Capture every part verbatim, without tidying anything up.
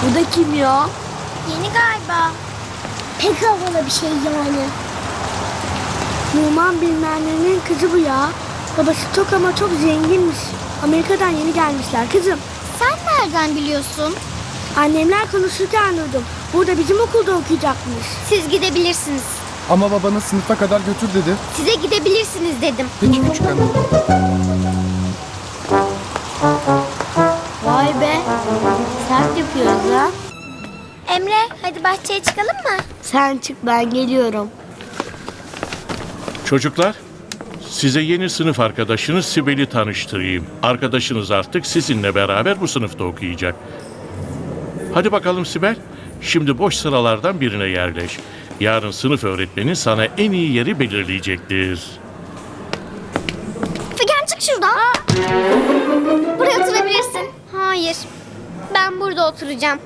Bu da kim ya? Yeni galiba. Pek havalı bir şey yani. Numan bilmem kızı bu ya. Babası çok ama çok zenginmiş. Amerika'dan yeni gelmişler kızım. Sen nereden biliyorsun? Annemler konuşurken duydum. Burada bizim okulda okuyacakmış. Siz gidebilirsiniz. Ama babanız sınıfa kadar götür dedi. Size gidebilirsiniz dedim. Peki küçük hanım. Vay be. Sert yapıyoruz ha. Emre, hadi bahçeye çıkalım mı? Sen çık, ben geliyorum. Çocuklar, size yeni sınıf arkadaşınız Sibel'i tanıştırayım. Arkadaşınız artık sizinle beraber bu sınıfta okuyacak. Hadi bakalım Sibel, şimdi boş sıralardan birine yerleş. Yarın sınıf öğretmeni sana en iyi yeri belirleyecektir. Figen çık şuradan. Buraya oturabilirsin. Hayır, ben burada oturacağım.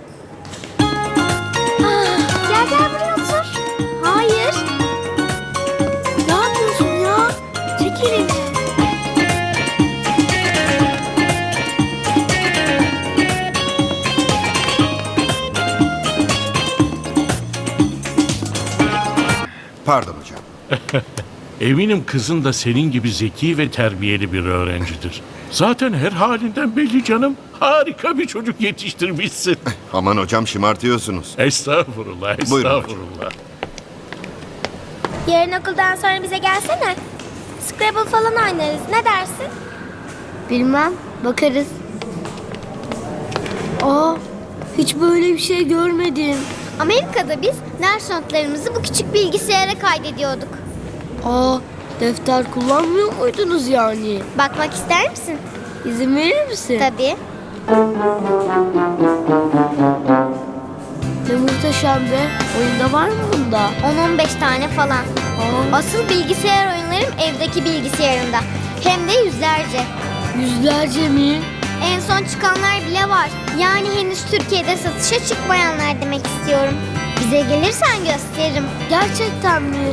Ah, Gel gel buraya otur. Hayır. Ne yapıyorsun ya? Çek elini. Pardon hocam. Eminim kızın da senin gibi zeki ve terbiyeli bir öğrencidir. Zaten her halinden belli canım. Harika bir çocuk yetiştirmişsin. Aman hocam şımartıyorsunuz. Estağfurullah, Buyurun hocam. estağfurullah. Yarın okuldan sonra bize gelsene. Scrabble falan oynarız. Ne dersin? Bilmem, bakarız. Aa, hiç böyle bir şey görmedim. Amerika'da biz ders notlarımızı bu küçük bilgisayara kaydediyorduk. Aa, defter kullanmıyor muydunuz yani? Bakmak ister misin? İzin verir misin? Tabii. Ne muhteşem be. Oyunda var mı bunda? on on beş tane falan. Aa, Asıl bilgisayar oyunlarım evdeki bilgisayarımda. Hem de yüzlerce. yüzlerce mi? En son çıkanlar bile var. Yani henüz Türkiye'de satışa çıkmayanlar demek istiyorum. Bize gelirsen gösteririm. Gerçekten mi?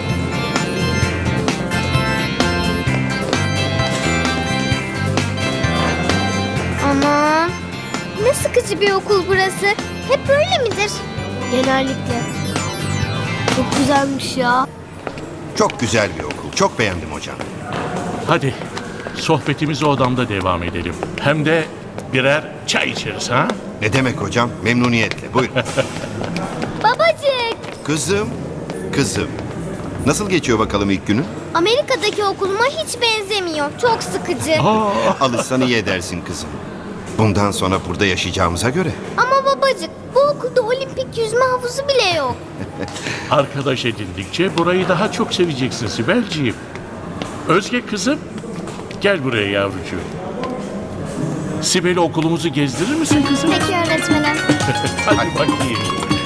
Aman. Ne sıkıcı bir okul burası. Hep böyle midir? Genellikle. Çok güzelmiş ya. Çok güzel bir okul. Çok beğendim hocam. Hadi sohbetimizi odamda devam edelim. Hem de birer çay içeriz ha? Ne demek hocam? Memnuniyetle. Buyurun. Babacık. Kızım. Kızım. Nasıl geçiyor bakalım ilk günün? Amerika'daki okuluma hiç benzemiyor. Çok sıkıcı. Aa, Alışsan iyi edersin kızım. Bundan sonra burada yaşayacağımıza göre. Ama babacık, bu okulda olimpik yüzme havuzu bile yok. arkadaş edindikçe burayı daha çok seveceksin Sibelciğim. Özge kızım, gel buraya yavrucuğum. Sibel'i okulumuzu gezdirir misin kızım? Peki öğretmenim. Hadi bakayım.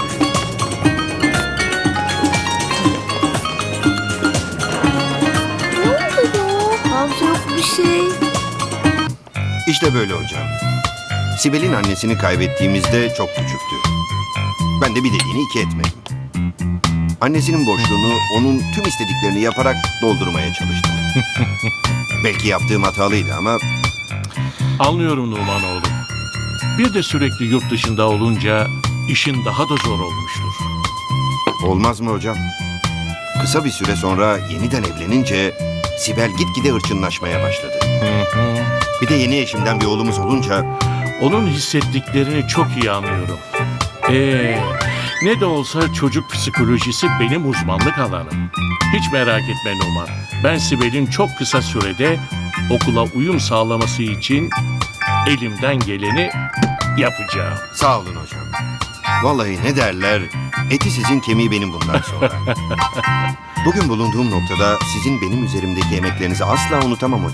Ne oldu ya? Hamza yok bir şey. İşte böyle hocam. Sibel'in annesini kaybettiğimizde çok küçüktü. Ben de bir dediğini iki etmedim. Annesinin boşluğunu onun tüm istediklerini yaparak doldurmaya çalıştım. Belki yaptığım hatalıydı ama Anlıyorum Numan oğlum. Bir de sürekli yurt dışında olunca işin daha da zor olmuştur. olmaz mı hocam? Kısa bir süre sonra yeniden evlenince Sibel gitgide hırçınlaşmaya başladı. Bir de yeni eşimden bir oğlumuz olunca Onun hissettiklerini çok iyi anlıyorum. Ee, ne de olsa çocuk psikolojisi benim uzmanlık alanım. Hiç merak etme Numan. Ben Sibel'in çok kısa sürede okula uyum sağlaması için elimden geleni yapacağım. sağ olun hocam. Vallahi ne derler, eti sizin kemiği benim bundan sonra. Bugün bulunduğum noktada sizin benim üzerimdeki emeklerinizi asla unutamam hocam.